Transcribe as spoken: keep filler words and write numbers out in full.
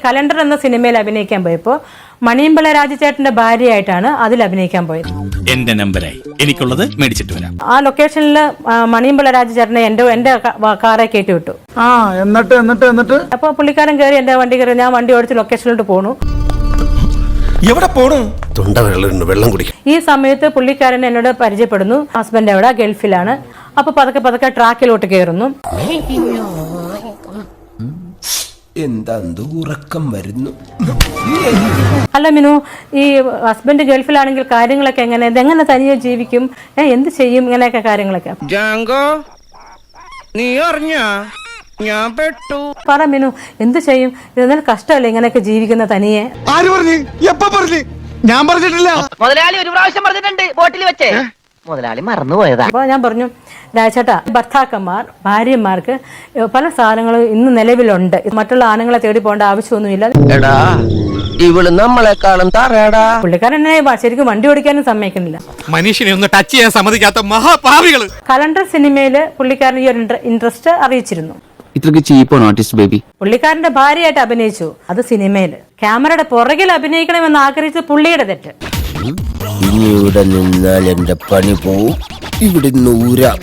Calendar എന്ന സിനിമയിൽ അഭിനയിക്കാൻ പോയപ്പോൾ മണിയമ്പിള്ള രാജചേട്ടന്റെ ഭാര്യയായിട്ടാണ് അതിൽ അഭിനയിക്കാൻ പോയത്. എന്റെ നമ്പരായി എനിക്കുള്ളത് മേടിച്ചിട്ട് വരാം. ആ ലൊക്കേഷനിൽ മണിയമ്പിള്ള രാജചേട്ടനെ എന്റെ എന്റെ കാറെ കയറ്റി വിട്ടു. ആ എന്നിട്ട് എന്നിട്ട് എന്നിട്ട് അപ്പൊ പുള്ളിക്കാരൻ കയറി എന്റെ വണ്ടി കയറി ഞാൻ വണ്ടി ഓടിച്ച് ലൊക്കേഷനിലോട്ട് പോണു. എവിടെ പോണു? തൊണ്ട വെള്ളം വെള്ളം കുടിക്കും. ഈ സമയത്ത് പുള്ളിക്കാരൻ എന്നോട് പരിചയപ്പെടുന്നു. ഹസ്ബൻഡ് എവിടെ? ഗൾഫിലാണ്. അപ്പൊ പതുക്കെ പതുക്കെ ട്രാക്കിലോട്ട് കയറുന്നു. എന്താ ഉറക്കം വരുന്നു? അല്ല മിനു, ഈ ഹസ്ബൻഡ് ഗൾഫിലാണെങ്കിൽ കാര്യങ്ങളൊക്കെ എങ്ങനെ ഇതെങ്ങനെ തനിയെ ജീവിക്കും, എന്ത് ചെയ്യും, ഇങ്ങനെയൊക്കെ കാര്യങ്ങളൊക്കെ നീ അറിഞ്ഞാ ഞാൻ പെട്ടു. പറ മിനു, എന്ത് ചെയ്യും? ഇതെന്നാൽ കഷ്ടമല്ലേ ഇങ്ങനെയൊക്കെ ജീവിക്കുന്ന തനിയെ? ആര് പറഞ്ഞു? എപ്പ പറഞ്ഞു? ഞാൻ പറഞ്ഞിട്ടില്ല. മുതലാളി ഒരു പ്രാവശ്യം പറഞ്ഞിട്ടുണ്ട് ബോട്ടിൽ വെച്ചേ. മുതലാളി മറന്നുപോയതാ. അപ്പൊ ഞാൻ പറഞ്ഞു, രാജേട്ടാ, ഭർത്താക്കന്മാർ ഭാര്യമാർക്ക് പല സാധനങ്ങളും ഇന്ന് നിലവിലുണ്ട്. മറ്റുള്ള ആണുങ്ങളെ തേടി പോകേണ്ട ആവശ്യമൊന്നുമില്ല. എടാ ഇവള് നമ്മളെക്കാളും തറയടാ. പുള്ളിക്കാരൻ എന്നെ ശരിക്കും വണ്ടി ഓടിക്കാനും സമ്മതിക്കുന്നില്ല. മനുഷ്യനെ ഒന്ന് ടച്ച് ചെയ്യാൻ സമ്മതിക്കാത്ത മഹാപാവികള്. കലണ്ടർ സിനിമയില് പുള്ളിക്കാരൻ ഈ ഒരു ഇൻട്രസ്റ്റ് അറിയിച്ചിരുന്നു. ഇത്രക്ക് ചീപ്പാണ് ആർട്ടിസ്റ്റ് ബേബി. പുള്ളിക്കാരന്റെ ഭാര്യയായിട്ട് അഭിനയിച്ചു, അത് സിനിമയില്. ക്യാമറയുടെ പുറകിൽ അഭിനയിക്കണമെന്ന് ആഗ്രഹിച്ചത് പുള്ളിയുടെ തെറ്റ്. ഇനി ഇവിടെ നിന്നാൽ എന്റെ പണി പോവും. ഇവിടെ നൂരാ